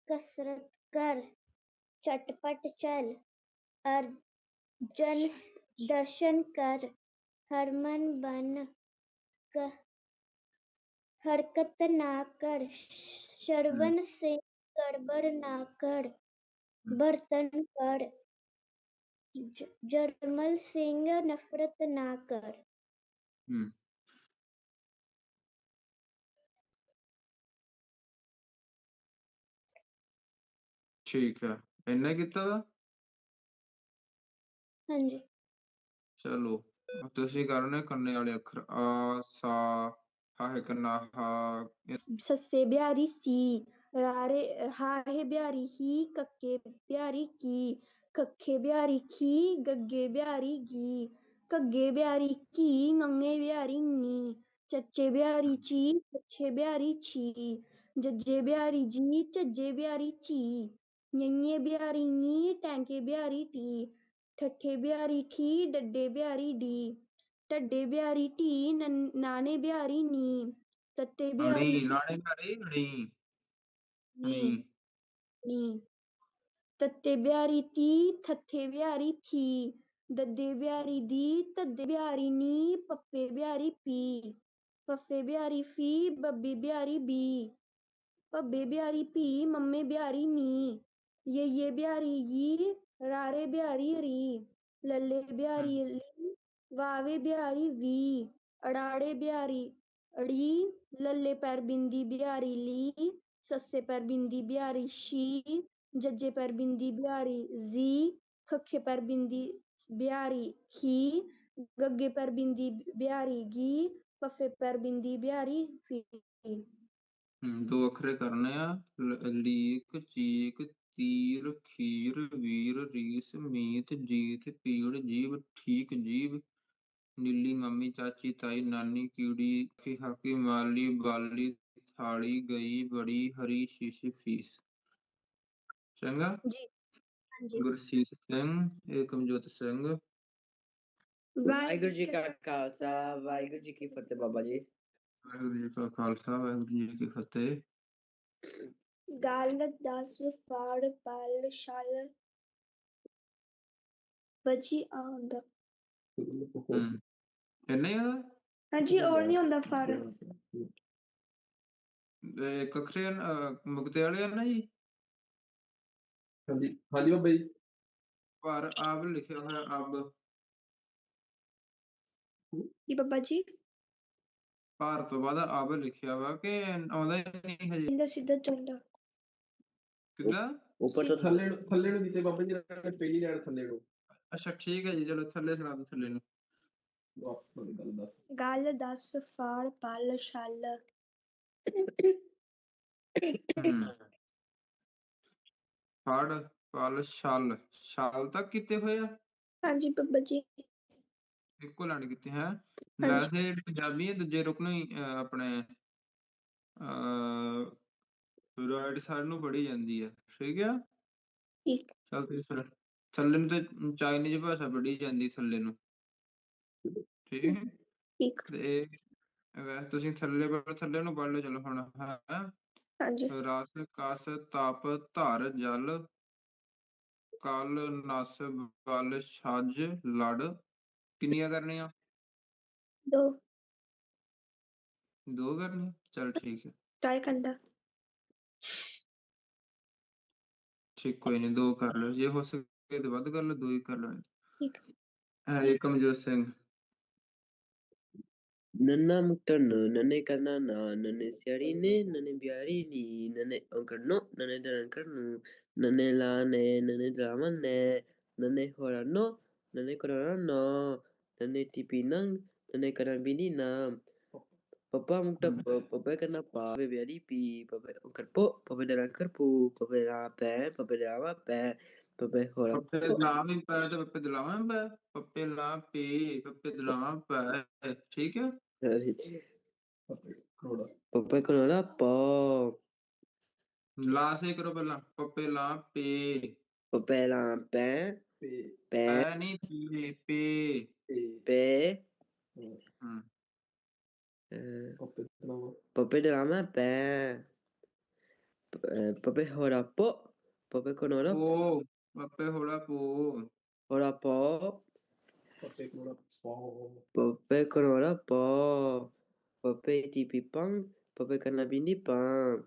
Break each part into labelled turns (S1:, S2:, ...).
S1: कसरत कर, चटपट चल, अर्जन दर्शन कर, हरमन बन, हरकत ना कर, श्रवण से गड़बड़ ना कर, बर्तन पढ़, जरमल सिंह नफरत ना कर।
S2: ठीक है, इन्ने किता दा?
S1: हाँ जी।
S2: चलो तुसी करने करने वाले अखर आ सा हा है करना हा
S1: सस्से बिहारी सी, रारे हा है बिहारी ही, कक्के बिहारी की, कक्खे बिहारी खी, गग्गे बिहारी गी, कग्गे बिहारी की, ngंगे बिहारी नी, चच्चे बिहारी ची, चच्छे बिहारी छी, जज्जे बिहारी जी, चज्जे बिहारी ची, ññे बिहारी नी, टैंके बिहारी टी, ठट्ठे बिहारी ठी, डड्डे बिहारी डी, टड्डे बिहारी टी, नाने बिहारी नी, तत्ते बिहारी
S2: अणी नाने बिहारी
S1: नी, तत्ते बिहारी ती, थत्थे बिहारी थी, दद्दे बिहारी दी, तद्दे बिहारी नी, पप्पे बिहारी पी, पफ्फे बिहारी फी, बब्बी बिहारी बी, भब्बे बिहारी पी, मम्मे बिहारी मी, ये बिहारी यी, रारे बिहारी री, लल्ले बिहारी ली, वावे बिहारी वी, अड़ाड़े बिहारी अड़ी, लल्ले पर बिंदी बिहारी ली, सस्से पर बिंदी बिहारी शी, जज्जे पर बिंदी बिहारी जी, खखे पर बिंदी बिहारी ही, गग्गे पर बिंदी बिहारी गी, पफे पर बिंदी बिहारी फी।
S2: दो अखरे करने आ लीक चीक तीर खीर वीर रीस मीत जीत पीड़ जीव ठीक जीव नीली मम्मी चाची ताई नानी कीड़ी हाकी माली बाली थाली गई बड़ी हरी शीशी फीस। चंगा
S1: जी हाँ जी।
S2: गुरसीत सिंह एकमजोत सिंह।
S3: वाहिगुरु जी का खालसा वाहिगुरु जी की फतेह बाबा जी।
S2: वाहिगुरु जी का खालसा वाहिगुरु जी की फतेह।
S4: ਗੱਲ 10 ਫੜ ਪਲ ਛਲ ਵਜੀ ਆਉਂਦਾ।
S2: ਇੰਨੇ ਆ
S4: ਹਾਂਜੀ ਹੋਰ ਨਹੀਂ ਹੁੰਦਾ ਫੜ
S2: ਕਖਰੇ ਮੁਕਤੇ ਵਾਲੇ ਆ ਨਾ ਜੀ।
S5: ਹਾਂਜੀ ਹਾਂਜੀ ਬਾਬਾ ਜੀ।
S2: ਪਰ ਆਬ ਲਿਖਿਆ ਹੋਇਆ ਅਬ
S4: ਕੀ ਬਾਬਾ ਜੀ
S2: ਭਾਰ ਤੋਂ ਬਾਅਦ ਅਬ ਲਿਖਿਆ ਵਾ ਕਿ ਆਉਂਦਾ ਹੀ ਨਹੀਂ ਹਜੇ।
S4: ਇਹਦਾ ਸਿੱਧਾ ਚੱਲਦਾ
S2: ਕਿੱਦਾਂ
S5: ਉੱਪਰ ਤੋਂ ਥੱਲੇ ਨੂੰ ਦਿੱਤੇ ਬਾਬਾ ਜੀ ਪਹਿਲੀ ਲਾਈਨ ਥੱਲੇ ਨੂੰ।
S2: ਅੱਛਾ ਠੀਕ ਹੈ ਜੀ ਚਲੋ ਥੱਲੇ ਸੁਣਾ ਦੋ ਥੱਲੇ ਨੂੰ।
S5: ਵਾਪਸ ਵਾਲੀ ਗੱਲ ਦੱਸ।
S4: ਗੱਲ 10 ਫੜ ਪਲ ਛਲ
S2: ਫੜ ਪਲ ਛਲ ਛਲ ਤੱਕ ਕੀਤੇ ਹੋਏ ਆ।
S4: ਹਾਂਜੀ ਬਾਬਾ ਜੀ
S2: ਇੱਕੋ ਲਾਈਨ ਕੀਤੀ ਹੈ। ਵੈਸੇ ਪੰਜਾਬੀ ਦੂਜੇ ਰੁਕ ਨੂੰ ਹੀ ਆਪਣੇ ਰਾਈਟ ਸਾਈਡ ਨੂੰ ਪੜ੍ਹੀ ਜਾਂਦੀ ਹੈ। ਠੀਕ ਆ
S4: ਠੀਕ
S2: ਚੱਲ ਤੁਸੀਂ ਥੱਲੇ ਨੂੰ ਤੇ ਚਾਈਨੀਜ਼ ਭਾਸ਼ਾ ਪੜ੍ਹੀ ਜਾਂਦੀ ਥੱਲੇ ਨੂੰ। ਠੀਕ ਹੈ
S4: ਠੀਕ
S2: ਤੇ ਵੈਸੇ ਤੁਸੀਂ ਥੱਲੇ ਨੂੰ ਪੜ੍ਹ ਲਓ। ਚਲੋ ਹੁਣ ਹੈ
S4: ਹਾਂਜੀ
S2: ਰਸ ਕਸ ਤਪ ਧਰ ਜਲ ਕਲ ਨਸ ਬਲ ਛੱਜ ਲੜ ਕਿੰਨੀਆਂ ਕਰਨੀਆਂ।
S4: ਦੋ
S2: ਕਰਨੀਆਂ ਚਲ ਠੀਕ ਹੈ।
S4: ਟਰਾਈ ਕਰਦਾ
S2: ਠੀਕ ਕੋਈ ਨਹੀਂ 2 ਕਰ ਲਓ ਜੇ ਹੋ ਸਕੇ ਤੇ ਵੱਧ ਕਰ ਲਓ 2 ਹੀ ਕਰ ਲਓ।
S4: ਠੀਕ
S2: ਏਕਮਜੋਤ ਸਿੰਘ।
S3: नन्ना मुट्टन नन्ने करना ना नन्ने स्याड़ी ने नन्ने बिहारी नी नन्ने अंकड़नो नन्ने डरंकड़नु नन्ने लाने नन्ने ड्रामन ने नन्ने होरानो नन्ने कोराना नो नन्ने टिपिनंग नन्ने करंबिनी ना पप्पा मुट्टा पप्पा करना पा पे बिहारी पी पप्पा अंकड़पो पप्पा डरंकड़पू पप्पा ला पे पप्पा लावा पे पप्पा होरा
S2: पप्पे लाम ही पै तो पप्पे दिलावा पै पप्पे ला पे पप्पे दिलावा पै ठीक है।
S3: पप्पा कोराना पा
S2: ला से करो पहला पप्पे ला पे
S3: पप्पा ला पे पे
S2: नहीं पे
S3: पे
S2: हम्म
S3: पप्पे दिलावा पे Pape hora po. Pape con hora
S2: ਪੋ ਪੱਪੇ ਹੋੜਾ ਪੋ
S3: hora po.
S5: ਪੱਪੇ ਕੋਲ ਪਾਓ
S3: Pape con hora po. Pape tipi pang. Pape kana bindi pang.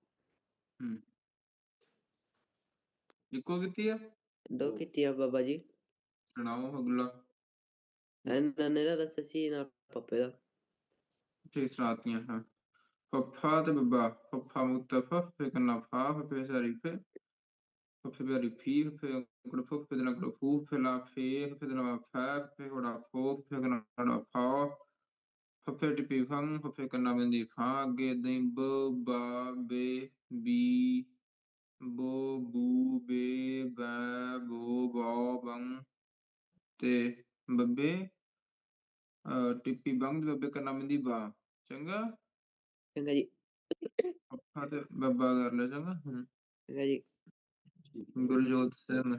S2: ਇੱਕੋ ਕੀਤੀ ਆ
S3: Do kitia baba ji.
S2: ਸੁਣਾਓ ਅਗਲਾ
S3: Nane da assassina pape da.
S2: ਠੀਕ ਸੁਣਾਤੀਆਂ ਹਾਂ ਫੱਫਾ ਤੇ ਬੱਬਾ ਫੱਫਾ ਮੁਤਫਾ ਫੇ ਕਰਨਾ ਫਾ ਫੇ ਸ਼ਰੀਫੇ ਫੇ ਬਿਆਰੀ ਫੀ ਫੇ ਕੁੜ ਫੇ ਦੇ ਨਾਲ ਫੂ ਫੇ ਲਾ ਫੇ ਫੇ ਦੇ ਨਾਲ ਫਾ ਫੇ ਹੋੜਾ ਫੋ ਫੇ ਕਰਨਾ ਫਾ ਫੇ ਟਿਪੀ ਫੰ ਫੇ ਕਰਨਾ ਬੰਦੀ ਫਾ ਅੱਗੇ ਦੇ ਬ ਬਾ ਬੇ ਬੀ ਬੋ ਬੂ ਬੇ ਬੈ ਬੋ ਬਾ ਬੰ ਤੇ ਬੱਬੇ ਟਿੱਪੀ ਬੰਦ ਬੱਬੇ ਕਰਨਾ ਬੰਦੀ ਬਾ ਚੰਗਾ
S3: Changa ji.
S2: ਫੱਫਾ ਤੇ ਬੱਬਾ ਕਰ ਲੈ ਚੰਗਾ
S3: Changa ji.
S2: ਗੁਰਜੋਤ ਸਿੰਘ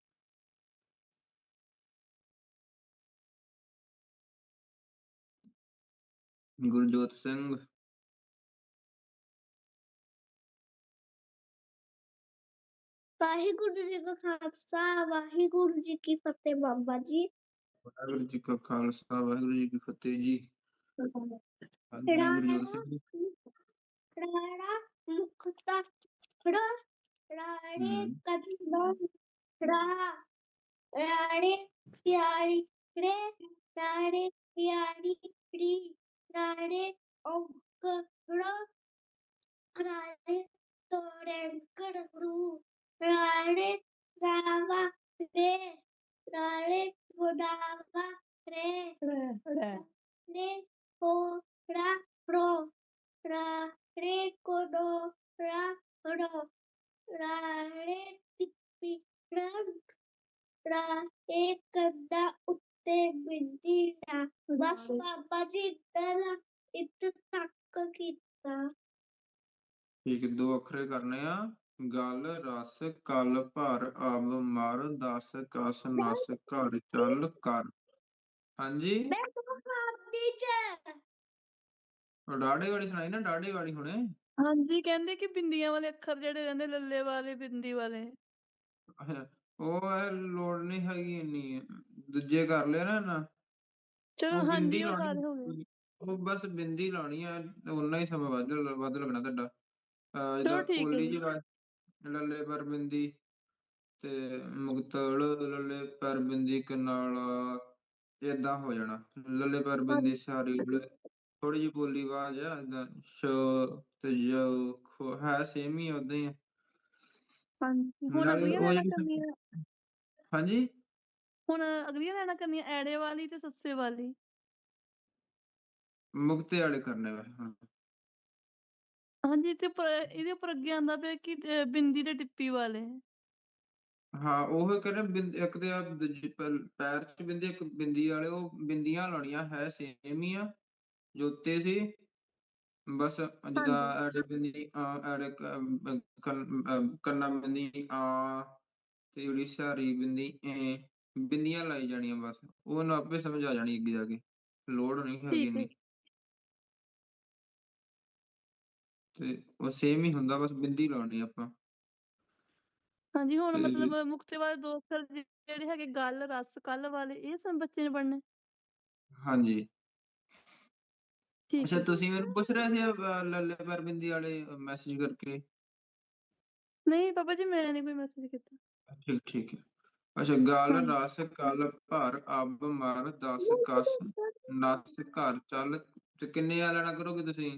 S2: ਗੁਰਜੋਤ ਸਿੰਘ
S4: ਵਾਹਿਗੁਰੂ ਜੀ ਕਾ ਖਾਲਸਾ ਵਾਹਿਗੁਰੂ ਜੀ ਕੀ ਫਤਿਹ ਬਾਬਾ ਜੀ
S2: ਵਾਹਿਗੁਰੂ ਜੀ ਕਾ ਖਾਲਸਾ ਵਾਹਿਗੁਰੂ ਜੀ ਕੀ ਫਤਿਹ ਜੀ ਹਾਂਜੀ ਗੁਰਜੋਤ ਸਿੰਘ
S4: ਰਾੜਾ ਮੁਕਤਾ ਰਾੜੇ
S2: ਹਮ,
S4: ਕਦਮ ਰਾੜੇ ਸਿਆੜੀ ਰੇ ਰਾੜੇ ਪਿਆੜੀ ਰੀ ਰਾੜੇ ਔਂਕੜ ਰਾੜੇ ਤੋੜੈਂਕੜ ਰੂ ਰਾੜੇ ਰਾਵਾ ਰੇ ਰਾੜੇ ਗੋਦਾਵਾ ਰੇ ਰੇ ਕੋੜਾ ਰੋ ਰਾੜੇ ਕੋਦੋ ਰੋ ਰਾੜੇ ਟਿੱਪੀ ਰੰਗ ਰਾੜੇ ਕੰਦਾ ਉੱਤੇ ਬਿੰਦੀ ਨਾ ਬਸ ਬਾਬਾ ਜੀ ਇੱਥੇ ਤੱਕ ਕੀਤਾ
S2: ਠੀਕ ਹੈ, ਦੋ ਅੱਖਰੇ ਕਰਨੇ ਆ ਗਲ ਰਸ ਕਲ ਭਰ ਅਬ ਮਰ ਦਸ ਕਸ ਨਸ ਘਰ ਚੱਲ ਕਰ ਹਾਂਜੀ
S4: ਮੈਂ ਤੁਹਾਨੂੰ ਖਾਦੀ ਚ
S2: ਡਾੜੇ ਵਾਲੀ ਸੁਣਾਈ ਨਾ ਡਾੜੇ ਵਾਲੀ ਹੁਣੇ
S6: ਹਾਂਜੀ ਕਹਿੰਦੇ ਕਿ ਬਿੰਦੀਆਂ ਵਾਲੇ ਅੱਖਰ ਜਿਹੜੇ ਰਹਿੰਦੇ ਲੱਲੇ ਵਾਲੇ ਬਿੰਦੀ ਵਾਲੇ
S2: ਉਹ ਇਹ ਲੋੜ ਨਹੀਂ ਹੈਗੀ ਇੰਨੀ ਦੂਜੇ ਕਰ ਲਿਆ ਨਾ
S6: ਚਲੋ
S2: ਉਹ ਬਿੰਦੀ
S6: ਹਾਂਜੀ ਉਹ
S2: ਲਾਉਣੀ
S6: ਸਾਰੇ ਹੋ ਗਏ
S2: ਉਹ ਬਸ ਬਿੰਦੀ ਲਾਉਣੀ ਆ ਉਨਾ ਹੀ ਸਮਾਂ ਵੱਧ ਲੱਗਣਾ ਤੁਹਾਡਾ
S6: ਚਲੋ
S2: ਜਿੱਦਾਂ
S6: ਠੀਕ ਹੈ
S2: ਪੋਲੀ
S6: ਜੀ
S2: ਜੀ ਲੱਲੇ ਪਰ ਬਿੰਦੀ ਤੇ ਮੁਕਤਲ ਲੱਲੇ ਪਰ ਬਿੰਦੀ ਕਨਾਲਾ ਏਦਾਂ ਹੋ ਜਾਣਾ ਲੱਲੇ ਪਰ ਬਿੰਦੀ ਸਾਰੀ ਥੋੜੀ ਜਿਹੀ ਬੋਲੀ ਆਵਾਜ਼ ਆ ਏਦਾਂ ਸ਼ ਤੇ ਜ ਹੈ ਸੇਮ ਹੀ ਓਦਾਂ ਹੀ ਆ
S6: ਹਾਂਜੀ ਹੁਣ
S2: ਨਾਲੇ
S6: ਅਗਲੀਆਂ
S2: ਉਹ
S6: ਲੈਣਾ
S2: ਜਿਹੜੀ
S6: ਕਰਨੀਆਂ
S2: ਹਾਂਜੀ
S6: ਹੁਣ ਅਗਲੀਆਂ ਲੈਣਾ ਕਰਨੀਆਂ ਐੜੇ ਵਾਲੀ ਤੇ ਸੱਸੇ ਵਾਲੀ
S2: ਮੁਕਤੇ ਵਾਲੇ ਕਰਨੇ ਵਾ ਹਾਂ
S6: ਹਾਂਜੀ ਤੇ ਇਹਦੇ ਉੱਪਰ ਅੱਗੇ ਆਉਂਦਾ ਪਿਆ ਕਿ ਬਿੰਦੀ ਤੇ ਟਿੱਪੀ ਵਾਲੇ
S2: ਹਾਂ ਉਹ ਕਹਿੰਦੇ ਇੱਕ ਤੇ ਆ ਪੈਰ ਚ ਬਿੰਦੀ ਇੱਕ ਬਿੰਦੀ ਵਾਲੇ ਉਹ ਬਿੰਦੀਆਂ ਲਾਉਣੀਆਂ ਹੈ ਸੇਮ ਹੀ ਆ ਜੋਤੇ ਸੀ ਬਸ ਜਿੱਦਾਂ
S6: ਹਾਂਜੀ
S2: ਐੜੇ ਬਿੰਦੀ ਐੜੇ ਕੰਨਾ ਬਿੰਦੀ ਆ ਤੇ ਜਿਹੜੀ ਸਿਹਾਰੀ ਬਿੰਦੀ ਬਿੰਦੀਆਂ ਲਾਈ ਜਾਣੀਆਂ ਬਸ ਉਹਨੂੰ ਆਪੇ ਸਮਝ ਆ ਜਾਣੀ ਅੱਗੇ ਜਾ ਕੇ ਲੋੜ ਨਹੀਂ ਹੈਗੀ
S6: ਠੀਕ ਹੈ
S2: ਇੰਨੀ ਤੇ ਉਹ ਸੇਮ ਹੀ ਹੁੰਦਾ ਬਸ ਬਿੰਦੀ ਲਾਉਣੀ ਆਪਾਂ
S6: ਹਾਂਜੀ ਹੁਣ
S2: ਤੇ
S6: ਮਤਲਬ ਮੁਕਤੇ ਵਾਲੇ ਦੋ ਅੱਖਰ ਜਿਹੜੇ ਹੈਗੇ ਗਲ ਰਸ ਕੱਲ ਵਾਲੇ ਇਹ ਸਭ ਬੱਚੇ ਨੇ ਪੜ੍ਹਨੇ
S2: ਹਾਂਜੀ
S6: ਠੀਕ
S2: ਅੱਛਾ
S6: ਹੈ ਜੀ
S2: ਤੁਸੀਂ ਮੈਨੂੰ ਪੁੱਛ ਰਹੇ ਸੀ ਲੱਲੇ ਪਰ ਬਿੰਦੀ ਵਾਲੇ ਮੈਸੇਜ ਕਰਕੇ
S6: ਨਹੀਂ ਪਾਪਾ ਜੀ ਮੈਂ ਨਹੀਂ ਕੋਈ ਮੈਸੇਜ ਕੀਤਾ
S2: ਠੀਕ ਠੀਕ ਹੈ ਅੱਛਾ ਗਲ
S6: ਹਾਂਜੀ
S2: ਰਸ ਕਲ ਭਰ ਅਬ ਮਰ ਦਸ ਕਸ ਨਸ ਘਰ ਚੱਲ ਤੇ ਕਿੰਨੇ ਆ ਲੈਣਾ ਕਰੋਗੇ ਤੁਸੀਂ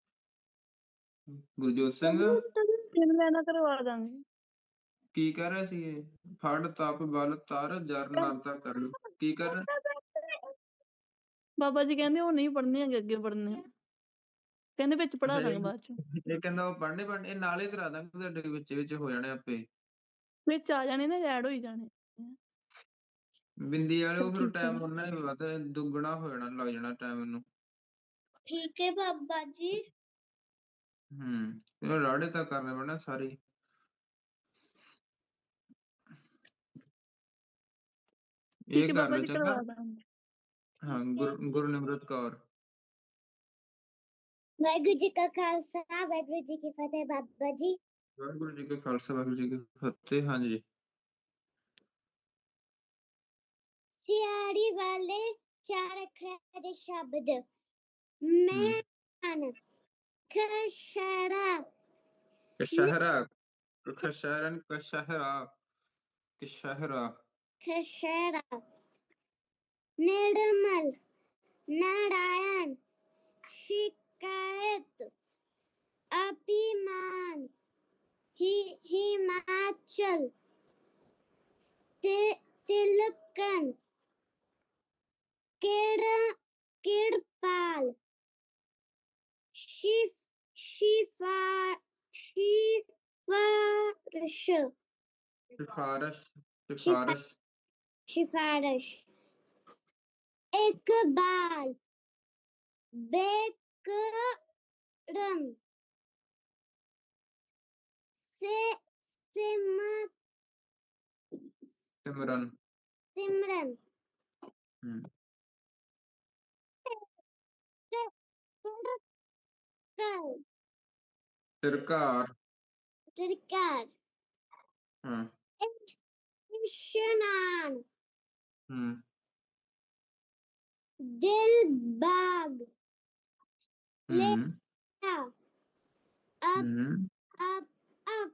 S2: ਗੁਰਜੋਤ ਸਿੰਘ
S6: ਤਿੰਨ ਲੈਣਾ ਕਰਵਾ ਦਾਂਗੇ
S2: ਕੀ ਕਹਿ ਰਿਹਾ ਸੀ ਇਹ ਫੜ ਤਪ ਬਲ ਤਰ ਜਰ ਨਰਤਾ ਕਰ ਲਓ ਕੀ ਕਰ ਰਿਹਾ
S6: ਬਾਬਾ ਜੀ ਕਹਿੰਦੇ ਉਹ ਨਹੀਂ ਪੜ੍ਹਨੇ ਹੈਗੇ ਅੱਗੇ ਪੜ੍ਹਨੇ ਆ ਕਹਿੰਦੇ ਵਿੱਚ ਪੜ੍ਹਾ
S2: ਅੱਛਾ
S6: ਦਾਂਗੇ ਬਾਅਦ ਚ
S2: ਇਹ ਕਹਿੰਦਾ ਉਹ ਪੜ੍ਹਨੇ ਇਹ ਨਾਲੇ ਕਰਾ ਦਾਂਗੇ ਤੁਹਾਡੇ ਵਿੱਚ ਹੋ ਜਾਣੇ ਆਪੇ
S6: ਵਿੱਚ ਆ ਜਾਣੇ ਨੇ ਐਡ ਹੋਈ ਜਾਣੇ
S2: ਬਿੰਦੀ ਵਾਲੇ
S6: ਚਲ
S2: ਉਹ ਫਿਰ
S6: ਠੀਕ ਹੈ
S2: ਟਾਈਮ ਉਹਨਾਂ ਹੀ ਵੱਧ ਦੁੱਗਣਾ ਹੋ ਜਾਣਾ ਲੱਗ ਜਾਣਾ ਟਾਈਮ ਇਹਨੂੰ
S4: ਠੀਕ ਹੈ ਬਾਬਾ ਜੀ
S2: ਇਹ ਰਾੜੇ ਤਾਂ ਕਰਨੇ ਪੈਣਾ ਸਾਰੇ
S6: ਠੀਕ
S2: ਇਹ
S6: ਹੈ
S2: ਕਰ
S6: ਬਾਬਾ
S2: ਲਓ
S6: ਜੀ
S2: ਚੰਗਾ
S6: ਕਰਵਾ ਦਾਂਗੇ
S2: ਹਾਂ ਗੁਰਨਿਮਰਤ ਕੌਰ
S4: ਵਾਹਿਗੁਰੂ ਜੀ ਕਾ ਖਾਲਸਾ ਵਾਹਿਗੁਰੂ ਜੀ ਕੀ ਫਤਿਹ ਬਾਬਾ ਜੀ
S2: ਵਾਹਿਗੁਰੂ ਜੀ ਕਾ ਖਾਲਸਾ ਵਾਹਿਗੁਰੂ ਜੀ ਕੀ ਫਤਿਹ। ਹਾਂਜੀ
S4: ਸਿਆੜੀ ਵਾਲੇ 4 ਅੱਖਰਾਂ ਦੇ ਸ਼ਬਦ
S2: ਹਮ,
S4: ਮਹਿਮਾਨ ਖਸ਼ਰਾ
S2: ਕਸ਼ਹਿਰਾ ਕਸ਼ਹਿਰਨ ਕਸ਼ਹਿਰਾ ਕਸ਼ਹਿਰਾ
S4: ਖਸ਼ਰਾ ਨਿਰਮਲ नारायण शिकायत अभिमान हिमाचल तिलकन किरपाल सिफारिश
S2: ਸਿਫਾਰਸ਼ ਸਿਫਾਰਸ਼
S4: सिफारिश इकबाल बेकरम
S2: ਸਿਮਰਨ
S4: सिमरन
S2: ਹਮ, ਸਰਕਾਰ
S4: सरकार
S2: ਹਾਂ
S4: इशनान
S2: ਹਮ,
S4: दिलबाग
S2: ਹਮ,
S4: अब
S2: ਹਮ,
S4: अब अब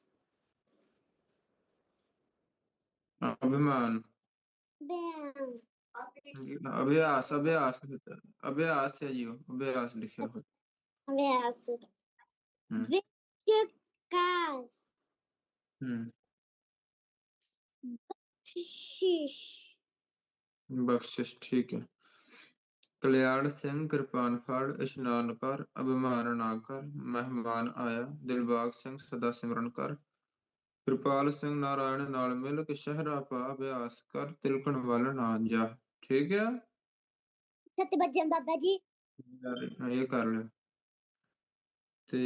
S2: ਅਭਿਮਾਨ
S4: बयान
S2: अभ्यास अभ्यास अभ्यास है जी अभ्यास लिखे हो
S4: व्यास
S2: हम्म
S4: विचकार
S2: हम्म,
S4: शीश
S2: बख्शिश ठीक है। कल्याण सिंह कृपान फाड़ इशनान कर अभिमान ना कर मेहमान आया दिलबाग सिंह सदा सिमरन कर कृपाल सिंह नारायण नाल मिल के शहरा पा अभ्यास कर तिलकन वाल ना जा ठीक है।
S4: सत्यवचन बाबा जी
S2: ये कर ले ते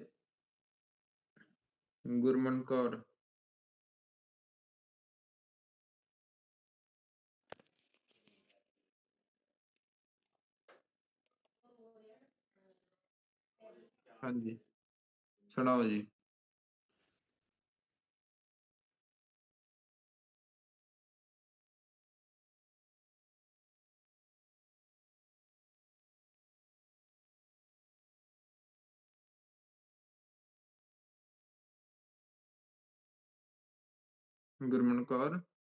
S2: गुरमन कौर हाँ जी सुनाओ जी। गुरमन कौर